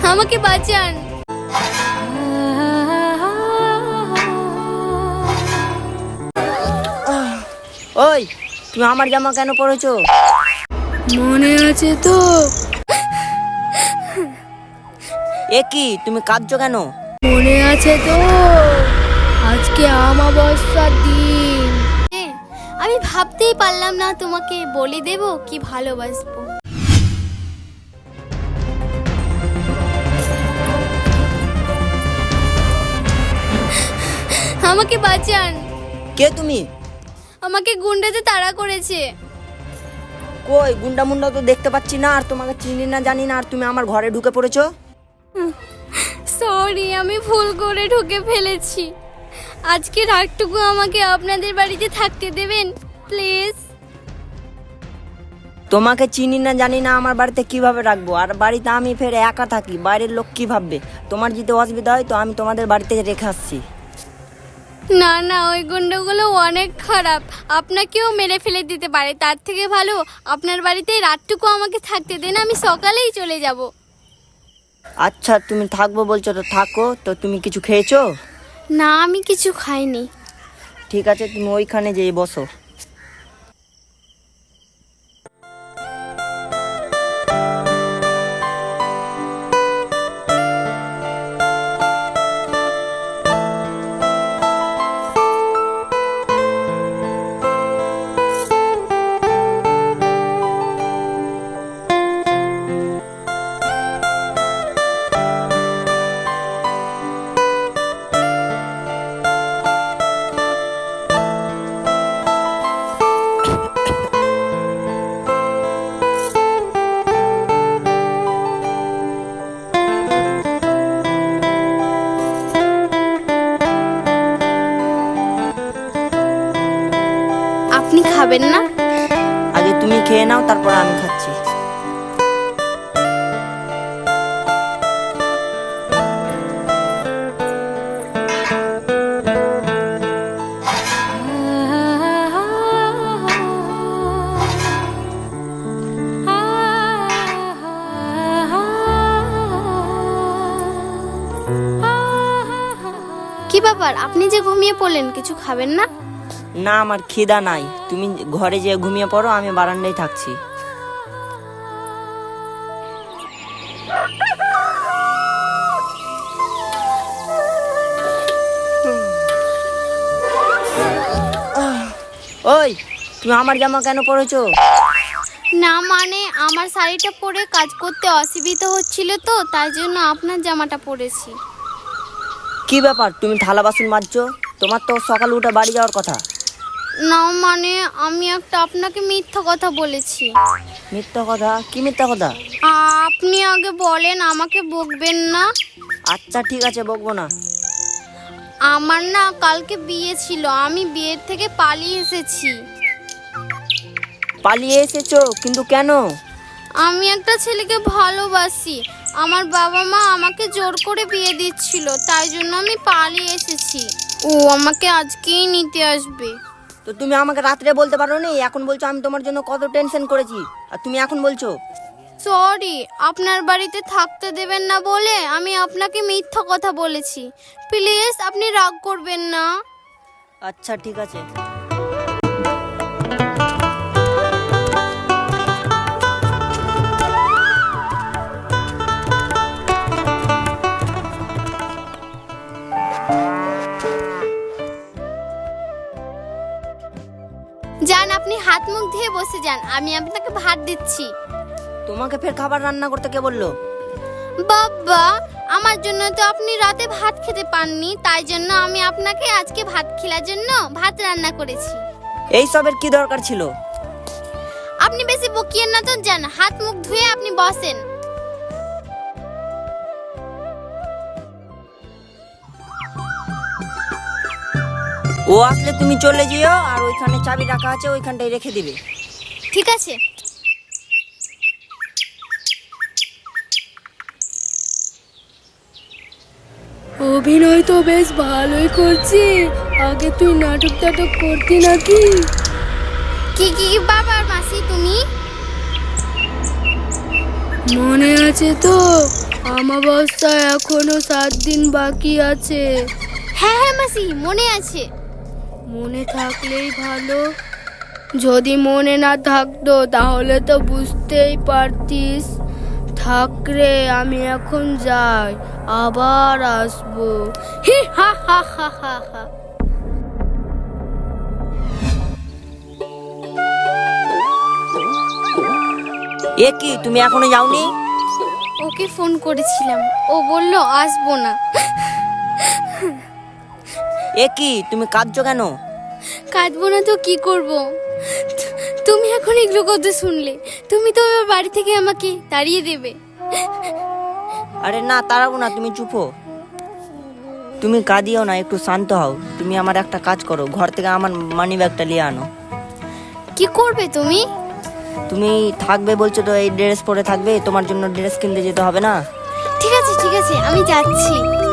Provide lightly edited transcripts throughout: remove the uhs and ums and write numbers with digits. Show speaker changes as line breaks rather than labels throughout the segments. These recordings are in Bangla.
আমাকে বাঁচান।
ওই, তুমি আমার জামা কেন পরেছো?
মনে আছে তো?
এ কি, তুমি কাঁদছো কেন?
মনে আছে তো, আজকে অমাবস্যার দিন। আমি ভাবতেই পারলাম না তোমাকে বলে দেব কি ভালোবাসবো। আমাকে বাঁচান।
কে তুমি?
আমাকে গুন্ডাতে তাড়া করেছে।
কই, গুন্ডা মুন্ডা তো দেখতে পাচ্ছি না, আর তোমাকে চিনি না জানি না, আর তুমি আমার ঘরে ঢুকে পড়েছো।
সরি, আমি ভুল করে ঢুকে ফেলেছি। আজকে রাতটুকু আমাকে আপনাদের বাড়িতে থাকতে দেবেন প্লিজ।
তোমাকে চিনি না জানি না, আমার বাড়িতে কিভাবে রাখবো? আর বাড়িতে আমি ফের একা থাকি, বাইরের লোক কি ভাববে? তোমার যদি অসুবিধা হয় তো আমি তোমাদের বাড়িতে রেখে আসছি।
না না, ওই গুন্ডাগুলো অনেক খারাপ, আপনাকেও মেরে ফেলে দিতে পারে। তার থেকে ভালো আপনার বাড়িতে রাতটুকু আমাকে থাকতে দেন, আমি সকালেই চলে যাব।
আচ্ছা, তুমি থাকবো বলছো তো থাকো। তো তুমি কিছু খেয়েছো?
না, আমি কিছু খাইনি।
ঠিক আছে, তুমি ওইখানে যেয়ে বসো।
আপনি খাবেন না?
আগে তুমি খেয়ে নাও, তারপর আমি খাচ্ছি।
কি ব্যাপার, আপনি যে ঘুমিয়ে পড়লেন, কিছু খাবেন না?
না, আমার খিদা নাই। তুমি ঘরে যেয়ে ঘুমিয়ে পড়ো, আমি বারান্দায় থাকছি। ওই, তুমি আমার জামা কেন পরেছো?
না মানে, আমার শাড়িটা পরে কাজ করতে অসুবিধা হচ্ছিল তো, তাই জন্য আপনার জামাটা পরেছি।
কি ব্যাপার, তুমি থালা বাসন মাজছো? তোমার তো সকাল উঠে বাড়ি যাওয়ার কথা।
না মানে, আমি একটা আপনাকে মিথ্যা কথা বলেছি।
মিথ্যা কথা? কি মিথ্যা কথা?
আপনি আগে বলেন, আমাকে বকবেন না।
আচ্ছা ঠিক আছে, বকবো না।
আমার না কালকে বিয়ে ছিল, আমি বিয়ের থেকে পালিয়ে এসেছি।
পালিয়ে এসেছো? কিন্তু কেন?
আমি একটা ছেলেকে ভালোবাসি, আমার বাবা মা আমাকে জোর করে বিয়ে দিচ্ছিল, তাই জন্য আমি পালিয়ে এসেছি। ও আমাকে আজকেই নিতে আসবে।
তো তুমি আমাকে রাত্রে বলতে পারো নি? এখন বলছো আমি তোমার জন্য কত টেনশন করেছি, আর তুমি এখন বলছো?
সরি, আপনার বাড়িতে থাকতে দেবেন না বলে আমি আপনাকে মিথ্যা কথা বলেছি। প্লিজ আপনি রাগ করবেন না।
আচ্ছা ঠিক আছে।
যান, আপনি হাত মুখ ধুয়ে বসে যান, আমি আপনাকে ভাত দিচ্ছি।
তোমাকে ফের খাবার রান্না করতে কে বললো?
বাবা, আমার জন্য তো আপনি রাতে ভাত খেতে পাননি, তাই জন্য আমি আপনাকে আজকে ভাত খেলার জন্য ভাত রান্না করেছি।
এই সবের কি দরকার ছিল?
আপনি বেশি বকিয়েন না তো, যান হাত মুখ ধুয়ে আপনি বসেন।
ও আসলে তুমি চলে যেও, আর ওইখানে চাবি রাখা আছে, ওইখানটায় রেখে দিবে।
ঠিক আছে।
অভিনয় তো বেশ ভালোই করছি। আগে তুই নাটক টাটক করতি নাকি?
কি কি বাবার মাসি তুমি?
মনে আছে তো, আমাবস্যা এখনো 7 দিন বাকি আছে।
হ্যাঁ হ্যাঁ মাসি, মনে আছে।
মনে থাকলেই ভালো, যদি মনে না থাকতো তাহলে তো বুঝতেই পারতিস। থাক রে, আমি এখন যাই, আবার আসবো।
হি হা হা হা হা হা।
এ কি, তুমি এখনো যাওনি?
ওকে ফোন করেছিলাম, ও বলল আসবো না।
এ কি, তুমি কাঁদছো কেন?
কাঁদবো না তো কি করব? তুমি এখন এগুলো কথা শুনলে তুমি তো এবার বাড়ি থেকে আমাকে তাড়িয়ে দেবে।
আরে না, তাড়াবো না, তুমি চুপ হও। তুমি কাঁদিও না, একটু শান্ত হও। তুমি আমার একটা কাজ করো, ঘর থেকে আমার মানি ব্যাগটা নিয়ে আনো।
কি করবে তুমি?
তুমি থাকবে বলছো তো, এই ড্রেস পরে থাকবে, তোমার জন্য ড্রেস কিনতে যেতে হবে না?
ঠিক আছে ঠিক আছে, আমি যাচ্ছি।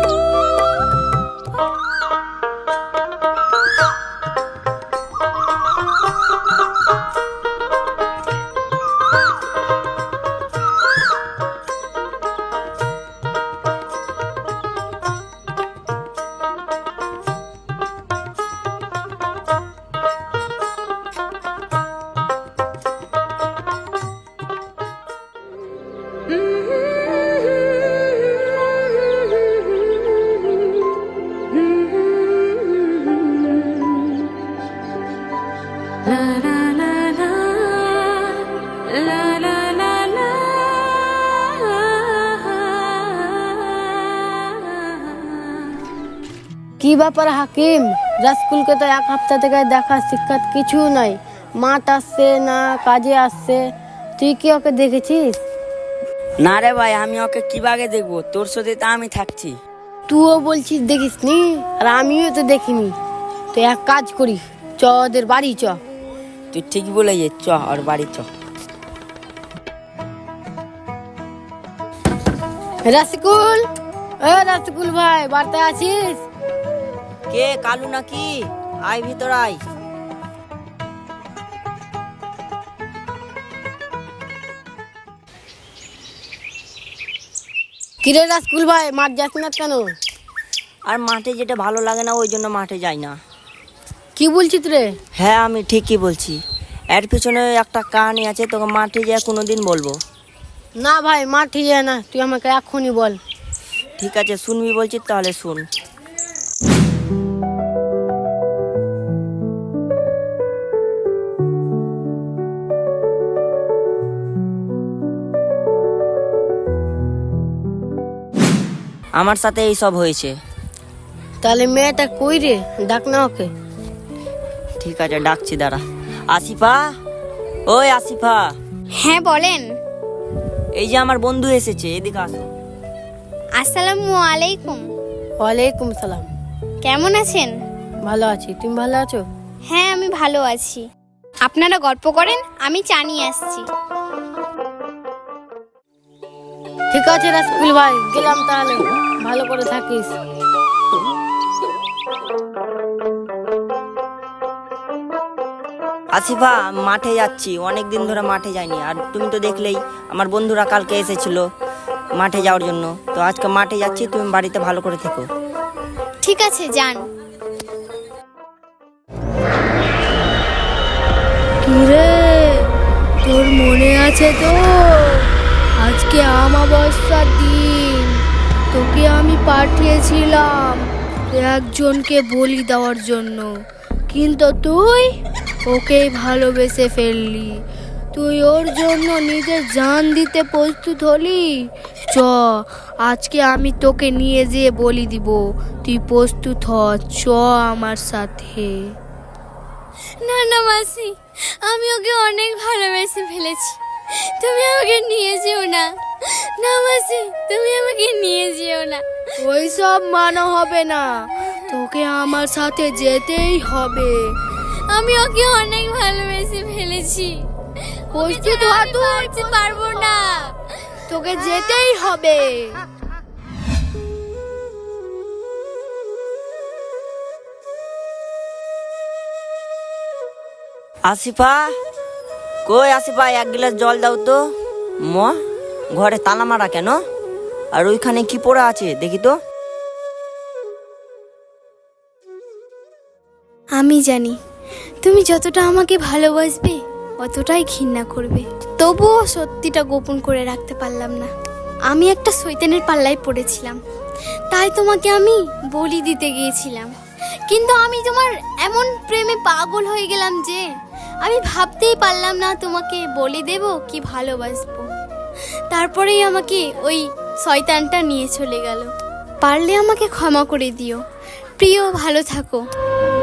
কি ব্যাপার হাকিম, রাস্কুলকে তো 1 সপ্তাহ থেকে দেখা সাক্ষাৎ কিছু নাই। মাঠ আসছে না, কাজে আসছে। তুই কি ওকে দেখেছিস?
না রে ভাই, আমি ওকে কিভাবে দেখবো? তোর সাথে তো আমি থাকছি।
তুইও বলছিস দেখিসনি, আর আমিও তো দেখিনি। তো এক কাজ করি, চ ওদের বাড়ি চ।
তুই ঠিক বলে যে, চ আর বাড়ি চ।
রাসকুল, এ রাসকুল ভাই, বাড়িতে আছিস?
কে, কালু নাকি? আয় ভিতর আয়।
কিরে রাসকুল ভাই, মাঠ যাস না কেন?
আর মাঠে যেটা ভালো লাগে না, ওই জন্য মাঠে যাই না।
কি বলছিস রে?
হ্যাঁ, আমি ঠিকই বলছি। এর পিছনে একটা কাহিনী আছে, তোকে মাঠে যেয়ে কোনোদিন বলবো।
না ভাই, মাঠে যায় না, তুই আমাকে এখনই বল।
ঠিক আছে, শুনবি বলছিস তাহলে শুন। আমার সাথে এই সব হয়েছে।
তাহলে মেয়েটা কই রে? ডাক না ওকে।
ঠিক আছে, ডাকছি, দাঁড়া। আসিফা, ওই আসিফা।
হ্যাঁ বলেন।
এই যে আমার বন্ধু এসেছে, এদিকে আসো।
আসসালামু আলাইকুম।
ওয়ালাইকুম সালাম।
কেমন আছেন?
ভালো আছি, তুমি ভালো আছো?
হ্যাঁ আমি ভালো আছি। আপনারা গল্প করেন, আমি চা নিয়ে আসছি।
ঠিক আছে রাসকুল ভাই, গেলাম তাহলে, ভালো করে থাকিস।
আসিফা, মাঠে যাচ্ছি, অনেক দিন ধরে মাঠে যাইনি। আর তুমি তো দেখলেই, আমার বন্ধুরা কালকে এসেছিল মাঠে যাওয়ার জন্য। তো আজকে মাঠে যাচ্ছি, তুমি বাড়িতে ভালো করে থেকো।
ঠিক আছে, যান।
কিরে, তোর মনে আছে তো? আজকে আমাবস্যার দিন তোকে আমি পাঠিয়েছিলাম একজনকে বলি দেওয়ার জন্য, কিন্তু তুই ওকেই ভালোবেসে ফেললি। তুই ওর জন্য নিজের জান দিতে প্রস্তুত হলি। চ, আজকে আমি তোকে নিয়ে যেয়ে বলি দিব। তুই প্রস্তুত হ, চ আমার সাথে।
না না মাসি, আমি ওকে অনেক ভালোবেসে ফেলেছি, তুমি আমাকে নিয়ে যেও না। না মাসি, তুমি আমাকে নিয়ে যেও না।
ওই সব মানা হবে না, তোকে আমার সাথে যেতেই হবে।
আমি ওকে অনেক ভালোবেসে ফেলেছি,
প্রস্তুত হ তুই,
পারতে পারবো না।
তোকে যেতেই হবে।
আসিফা, কই আসিফা, 1 গ্লাস জল দাও তো। ঘরে তালা মারা কেন? আর ওইখানে কি পড়া আছে দেখি তো।
আমি জানি তুমি যতটা আমাকে ভালোবাসবে অতটাই ঘৃণা করবে, তবুও সত্যিটা গোপন করে রাখতে পারলাম না। আমি একটা শয়তানের পাল্লায় পড়েছিলাম, তাই তোমাকে আমি বলি দিতে গিয়েছিলাম। কিন্তু আমি তোমার এমন প্রেমে পাগল হয়ে গেলাম যে আমি ভাবতেই পারলাম না তোমাকে বলি দেব কি ভালোবাসবো। তারপরেই আমাকে ওই শয়তানটা নিয়ে চলে গেল। পারলে আমাকে ক্ষমা করে দিও। প্রিয়, ভালো থাকো।